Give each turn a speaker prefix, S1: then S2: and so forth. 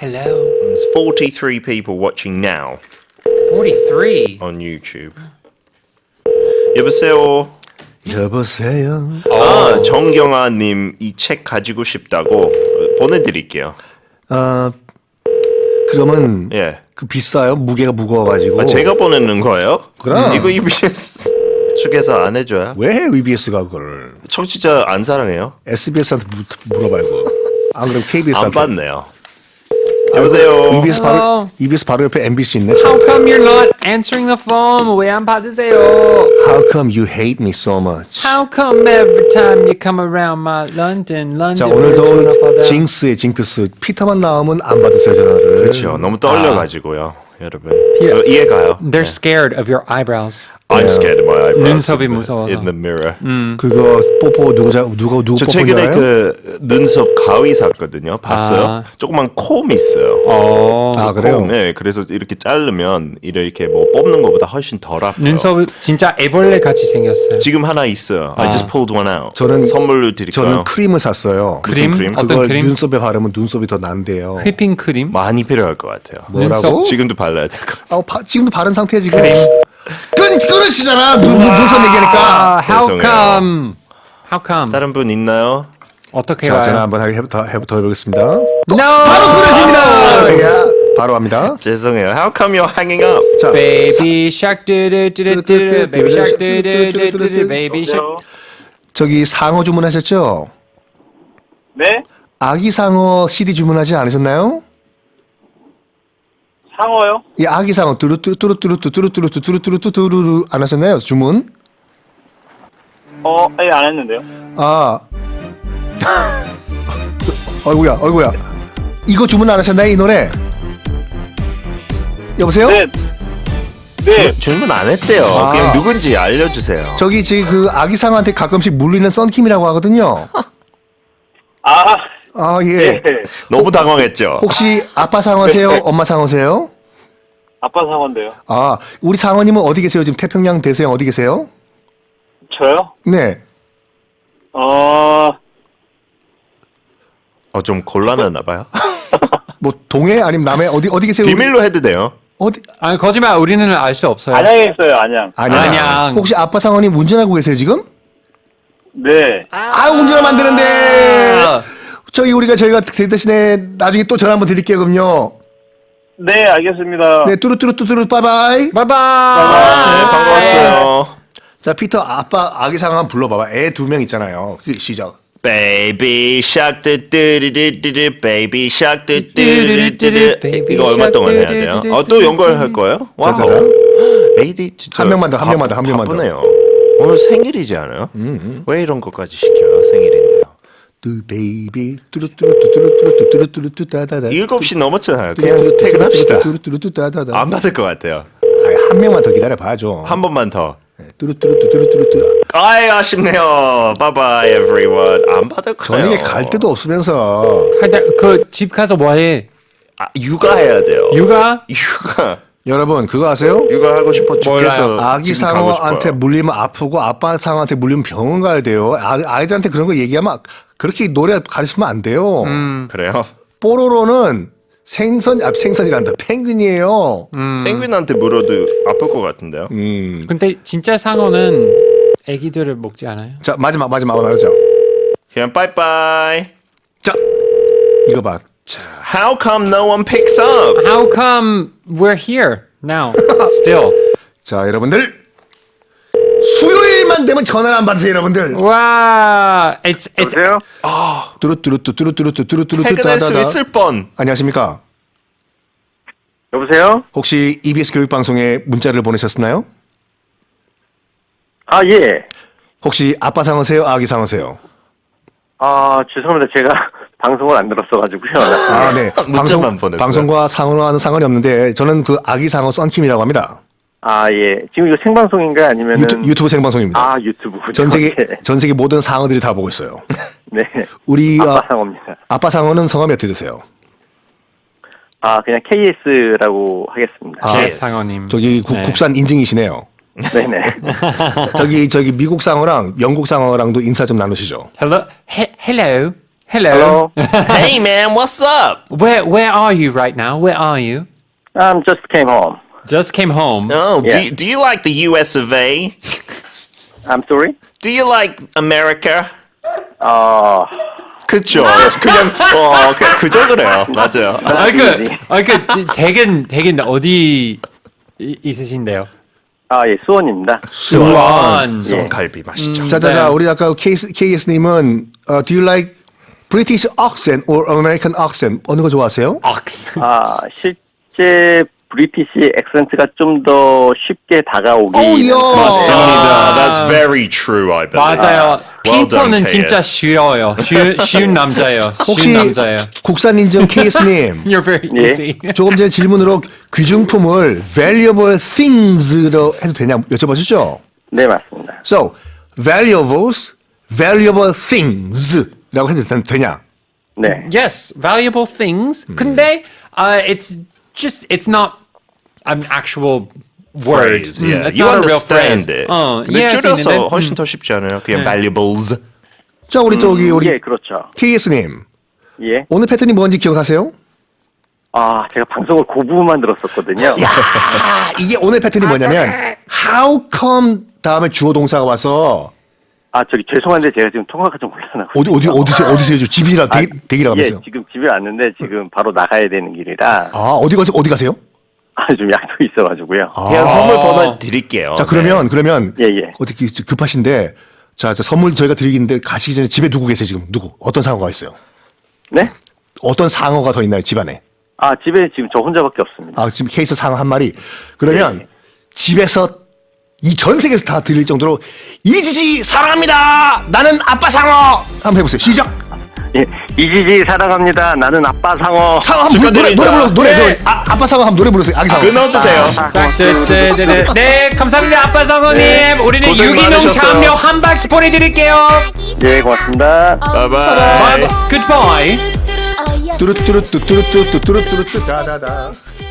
S1: Hello.
S2: There's 43 people watching now
S1: 43.
S2: on YouTube. 여보세요.
S3: 여보세요.
S2: 아, 정경아님 이 책 가지고 싶다고 보내드릴게요.
S3: 그러면
S2: 예.
S3: 그 비싸요? 무게가 무거워가지고.
S2: 아, 제가 보내는 거예요?
S3: 그럼.
S2: 이거 EBS 측에서 안 해줘요?
S3: 왜 해, EBS가 그걸?
S2: 청취자 안 사랑해요?
S3: SBS한테 물어봐 이거. 안 그럼 KBS한테.
S2: 안 받네요. 여보세요.
S3: EBS 바로 옆에 MBC 있네.
S1: How
S3: 참.
S1: come you're not answering the phone? 왜 안 받으세요?
S3: How come you hate me so much?
S1: How come every time you come around my London?
S3: 자,
S1: 왜 전화
S3: 오늘도
S1: 받아요?
S3: 징크스 피터만 나오면 안 받으세요 전화를.
S2: 그렇죠. 너무 떨려가지고 여러분.
S1: 피-
S2: 이해가요?
S1: They're scared of your eyebrows.
S2: I'm scared of my eyebrows.
S1: 눈썹이 무서워서.
S2: In the mirror.
S3: 그거 뽀뽀 누구
S2: 저
S3: 뽀뽀인 줄
S2: 최근에
S3: 알아요?
S2: 그 눈썹 가위 샀거든요. 봤어요?
S1: 아.
S2: 조그만 콤 있어요.
S3: 아 그래요?
S2: 콤, 네, 그래서 이렇게 자르면 이렇게 뭐 뽑는 것보다 훨씬 덜 아파요.
S1: 눈썹이 진짜 애벌레 같이 생겼어요.
S2: 지금 하나 있어요. I just pulled one out.
S3: 저는
S2: 선물로 드릴까요?
S3: 저는 크림을 샀어요.
S1: 크림?
S2: 크림?
S1: 어떤
S3: 그걸
S1: 크림?
S3: 눈썹에 바르면 눈썹이 더 난대요.
S1: 휘핑 크림?
S2: 많이 필요할 것 같아요.
S3: 뭐라고?
S2: 지금도 발라야 될 것 같아요.
S3: 지금도 바른 상태야 지금.
S1: 크림.
S3: 끊으시잖아. 눈썹 얘기하니까.
S1: How
S2: 죄송해요.
S1: come? How come?
S2: 다른 분 있나요?
S1: 어떻게
S3: 자, 전화
S1: 와요?
S3: 한번 더 해보겠습니다.
S1: No!
S3: 바로 끊으십니다. 야, 바로 합니다.
S2: 죄송해요. How come you're hanging up?
S3: 자,
S1: Baby shark 뚜루뚜루뚜루 Baby shark 뚜루뚜루뚜루 Baby shark
S3: 저기 상어 주문하셨죠?
S4: 네?
S3: 아기 상어 CD 주문하지 않으셨나요?
S4: 상어요?
S3: 이 아기 상어 뚜루뚜루뚜 안 하셨나요? 주문?
S4: 예, 안 했는데요.
S3: 아. 어이구야. 이거 주문 안 하셨나요? 이 노래? 여보세요?
S4: 네. 네.
S2: 주문 안 했대요.
S3: 아.
S2: 그냥 누군지 알려주세요.
S3: 저기 지금 그 아기 상어한테 가끔씩 물리는 썬킴이라고 하거든요. 아, 예.
S4: 네.
S2: 너무 당황했죠?
S3: 혹시 아빠 상어세요? 엄마 상어세요?
S4: 아빠 상어인데요.
S3: 아, 우리 상어님은 어디 계세요? 지금 태평양 대서양 어디 계세요?
S4: 저요?
S3: 네.
S2: 좀 곤란하나 봐요.
S3: 뭐 동해 아니면 남해 어디 계세요?
S2: 비밀로 해도 돼요.
S3: 어디?
S1: 아니 거짓말 우리는 알 수 없어요.
S4: 안양에 있어요, 안양.
S1: 안양.
S3: 혹시 아빠 상어님 운전하고 계세요 지금?
S4: 네.
S3: 운전하면 안 되는데. 저희가 대신에 나중에 또 전화 한번 드릴게요 그럼요.
S4: 네, 알겠습니다.
S3: 네, 뚜루뚜루뚜루 빠이바이.
S1: 바이바이.
S2: 네, 반가웠어요.
S3: 자, 피터 아기 상어 한번 불러봐봐. 애 2명 있잖아요. 시작.
S2: Baby shark 뚜뚜루뚜루 Baby shark 뚜뚜루뚜루 이거 얼마 동안 해야 돼요? 또 연결할 거예요? 와우.
S3: 자.
S2: AD 진짜
S3: 한 명만 더.
S2: 바쁘네요. 오늘 생일이지 않아요? 왜 이런 것까지 시켜요? 생일인데요.
S3: 베이비 뚜루뚜루뚜루뚜루뚜루뚜루뚜루 따다다.
S2: 7시 넘었잖아요. 그냥 퇴근합시다.
S3: 뚜루뚜루뚜루 따다다.
S2: 안 받을 것 같아요.
S3: 한 명만 더 기다려 봐야죠.
S2: 한 번만 더.
S3: 뚜루뚜루뚜루뚜루뚜루.
S2: 아쉽네요. Bye bye everyone. 안 받을 거예요.
S3: 저녁에 갈 데도 없으면서.
S1: 그 집 가서 뭐해?
S2: 육아해야 돼요.
S1: 육아?
S3: 여러분 그거 아세요?
S2: 육아하고 싶어 죽겠어.
S3: 아기
S2: 지금 가고
S3: 상어한테
S2: 싶어요.
S3: 물리면 아프고 아빠 상어한테 물리면 병원 가야 돼요. 아이들한테 그런 거 얘기하면 그렇게 노래 가르치면 안 돼요.
S2: 그래요?
S3: 뽀로로는 생선이란다. 펭귄이에요.
S2: 펭귄한테 물어도 아플 것 같은데요.
S1: 근데 진짜 상어는 애기들을 먹지 않아요?
S3: 자 마지막 말하자.
S2: 그냥 빠이빠이.
S3: 자 이거 봐.
S2: How come no one picks up?
S1: How come we're here now? Still.
S3: 자 여러분들 수요일만 되면 전화를 안 받으세요 여러분들.
S1: 와, it's
S4: 여보세요?
S3: 뚜루뚜루뚜루뚜루뚜루뚜루
S2: 퇴근할 수 있을 뻔.
S3: 안녕하십니까?
S4: 여보세요?
S3: 혹시 EBS 교육방송에 문자를 보내셨나요?
S4: 예.
S3: 혹시 아빠 상어세요? 아기 상어세요?
S4: 죄송합니다. 제가 방송을 안 들었어가지고요.
S3: 네.
S2: 문자만 보냈어요.
S3: 방송과 상어와는 상관이 없는데 저는 그 아기 상어 썬킴이라고 합니다.
S4: 예. 지금 이거 생방송인가요? 아니면은?
S3: 유튜브 생방송입니다.
S4: 유튜브.
S3: 전 세계
S4: 네.
S3: 전 세계 모든 상어들이 다 보고 있어요.
S4: 네.
S3: 우리
S4: 아빠 상어입니다.
S3: 아빠 상어는 성함이 어떻게 되세요?
S4: 그냥 KS라고 하겠습니다.
S1: 네, 상어님.
S3: 저기
S1: 네.
S3: 국산 인증이시네요.
S4: 네네.
S3: 저기 미국 상어랑 영국 상어랑도 인사 좀 나누시죠.
S1: Hello, hello, Hello.
S4: Hello.
S2: Hey man, what's up?
S1: Where are you right now? Where are you?
S4: Just came home.
S1: Just came home.
S2: Oh,
S4: Yeah.
S2: do you like the US of A?
S4: I'm sorry?
S2: Do you like America? 그쵸. 그저 그래요. 맞아요.
S1: 댁은 어디 있으신데요?
S4: 예, 수원입니다.
S1: 수원.
S2: 수원갈비 맛있죠.
S3: 자자자, 우리 아까 KS님은 do you like British accent or American accent 어느 거 좋아하세요?
S4: 실제 브리티시 액센트가 좀 더 쉽게 다가오기.
S3: 이야.
S2: 맞습니다. That's very true, I believe.
S1: 맞아요.
S2: Well
S1: 피터는
S2: done,
S1: 진짜
S2: KS.
S1: 쉬워요. 쉬운 남자예요.
S3: 혹시
S1: 쉬운 남자예요.
S3: 국산 인증 KS님
S1: You're very
S4: 예.
S1: easy.
S3: 조금 전에 질문으로 귀중품을 valuable things로 해도 되냐 여쭤보셨죠?
S4: 네, 맞습니다.
S3: So valuables, valuable things라고 해도 되냐?
S4: 네.
S1: Yes, valuable things. 근데 it's not an actual word.
S2: Phrase, yeah.
S1: It's
S2: You
S1: not a real
S2: understand
S1: phrase.
S2: it. 근데
S1: 이해할 수
S2: 줄여서
S1: 있는데,
S2: 훨씬 더 쉽지 않아요? 그냥 valuables.
S3: 자 우리 또 우리
S4: 예, 그렇죠.
S3: KS님
S4: 예.
S3: 오늘 패턴이 뭔지 기억하세요?
S4: 제가 방송을 그 부분만 들었었거든요.
S3: 이게 오늘 패턴이 뭐냐면 how come 다음에 주어 동사가 와서
S4: 저기 죄송한데 제가 지금 통화가 좀 곤란하고.
S3: 어디세요? 집이라 대기라고
S4: 예,
S3: 하면서.
S4: 지금 집에 왔는데 지금 바로 나가야 되는 길이라
S3: 어디 가세요?
S4: 좀 약속이 있어가지고요.
S2: 그냥 선물 번호 드릴게요.
S3: 자 그러면
S4: 예.
S3: 어떻게 급하신데 자 선물 저희가 드리는데 가시기 전에 집에 누구 계세요 지금 어떤 상어가 있어요?
S4: 네?
S3: 어떤 상어가 더 있나요 집안에?
S4: 집에 지금 저 혼자밖에 없습니다.
S3: 지금 케이스 상어 한 마리. 그러면
S4: 네.
S3: 집에서 이 전 세계에서 다 들릴 정도로 이지지 사랑합니다. 나는 아빠 상어. 한번 해보세요. 시작.
S4: 예, 이지지 사랑합니다. 나는 아빠 상어.
S3: 상어 한번 노래
S2: 축하드립니다.
S3: 노래. 아빠 상어 한번 노래 부르세요. 아기 상어.
S2: 끊어도 돼요.
S1: 네, 감사합니다, 아빠 상어님. 우리는
S2: 고생
S1: 유기농
S2: 많으셨어요.
S1: 참여 한 박스 보내드릴게요.
S4: 예, 고맙습니다.
S2: 바이바이.
S1: Goodbye.
S3: 뚜루뚜루뚜뚜루뚜뚜뚜뚜뚜 다다다.